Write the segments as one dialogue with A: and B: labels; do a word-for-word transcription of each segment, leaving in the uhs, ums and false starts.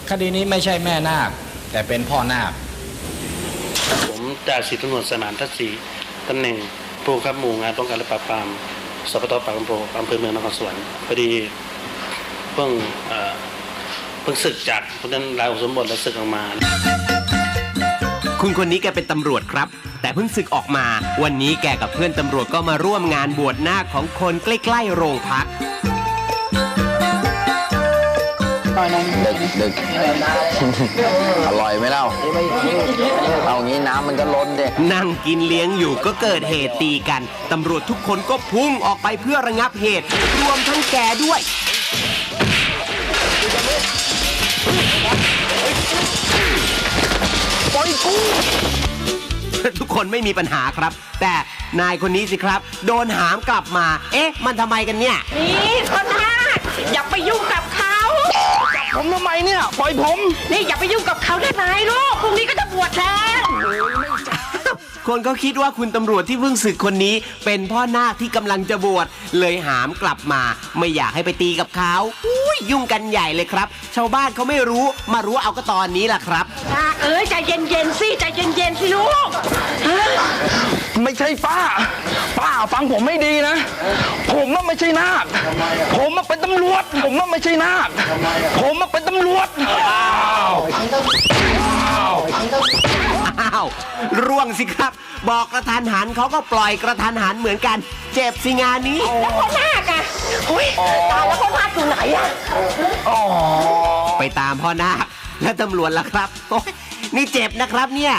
A: คดีนี้ไม่ใช่แม่นาคแต่เป็นพ่อนาค
B: ผมจ่าสิบตำรวจสมานทัศน์ศรีตำแหน่งผู้บังคับหมู่งานป้องกันและปราบปรามสปต.ปากน้ำโพอำเภอเมืองนครสวรรค์พอดีเพิ่งเพิ่งศึกจากเพราะนั้นลาอุปสมบทแล้วศึกออกมา
C: คุณคนนี้แกเป็นตำรวจครับแต่เพิ่งศึกออกมาวันนี้แกกับเพื่อนตำรวจก็มาร่วมงานบวชนาคของคนใกล้ๆโรงพัก
D: ดึกดึกอร่อยไหมเล่าเอางี้น้ำมันก็ล้นเด็ก
C: นั่งกินเลี้ยงอยู่ก็เกิดเหตุตีกันตำรวจทุกคนก็พุ่งออกไปเพื่อระงับเหตุรวมทั้งแกด้วยปล่อยกูทุกคนไม่มีปัญหาครับแต่นายคนนี้สิครับโดนหามกลับมาเอ๊ะมันทำไมกันเนี่ย
E: นี่คนนาคอย่าไปยุ่งกับเขา
D: ผมทำไมเนี่ยปล่อยผม
E: นี่อย่าไปยุ่งกับเขาได้ไหมลูกพรุ่งนี้ก็จะบวชแล้ว
C: คนก็คิดว่าคุณตำรวจที่เพิ่งศึกคนนี้เป็นพ่อนาคที่กำลังจะบวชเลยหามกลับมาไม่อยากให้ไปตีกับเขาอุ้ยยุ่งกันใหญ่เลยครับชาวบ้านเขาไม่รู้มารู้เอาก็ตอนนี้แหละครับ
E: นาคเอ้ยใจเย็นๆสิใจเย็นๆสิลูก
D: ไม่ใช่ป้าป้าฟังผมไม่ดีนะผมน่ะไม่ใช่นาคผมน่ะเป็นตำรวจผมน่ะไม่ใช่นาคผมน่ะเป็นตำรวจอ้าว
C: อ้าวร่วงสิครับบอกกระทันหันเขาก็ปล่อยกระทันหันเหมือนกันเจ็บสิงานนี้
E: แล้วพ่อนาคอะอุ้ยตายแล้วพ่อนาคอยู่ไหนอะ
C: ไปตามพ่อนาคและตำรวจล่ะครับโอ้ยนี่เจ็บนะครับเนี่ย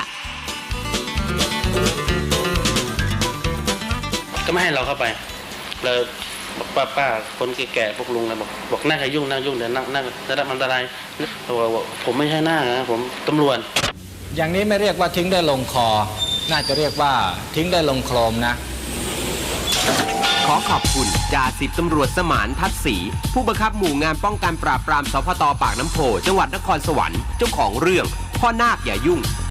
B: ก็ไม่ให้เราเข้าไปแล้วป้าป้าคนแก่ๆพวกลุงนะบอกบอกนั่งให้ยุ่งนั่งยุ่งเดี๋ยวนั่งนั่งจะได้อันตรายบอกผมไม่ใช่หน้านะผมตำรวจ
A: อย่างนี้ไม่เรียกว่าทิ้งได้ลงคอน่าจะเรียกว่าทิ้งได้ลงโคลมนะ
C: ขอขอบคุณจ่าสิบตำรวจสมานทัศน์ศรีผู้บังคับหมู่งานป้องกันปราบปรามสพต.ปากน้ำโพจังหวัดนครสวรรค์เจ้าของเรื่องพ่อนาคอย่ายุ่ง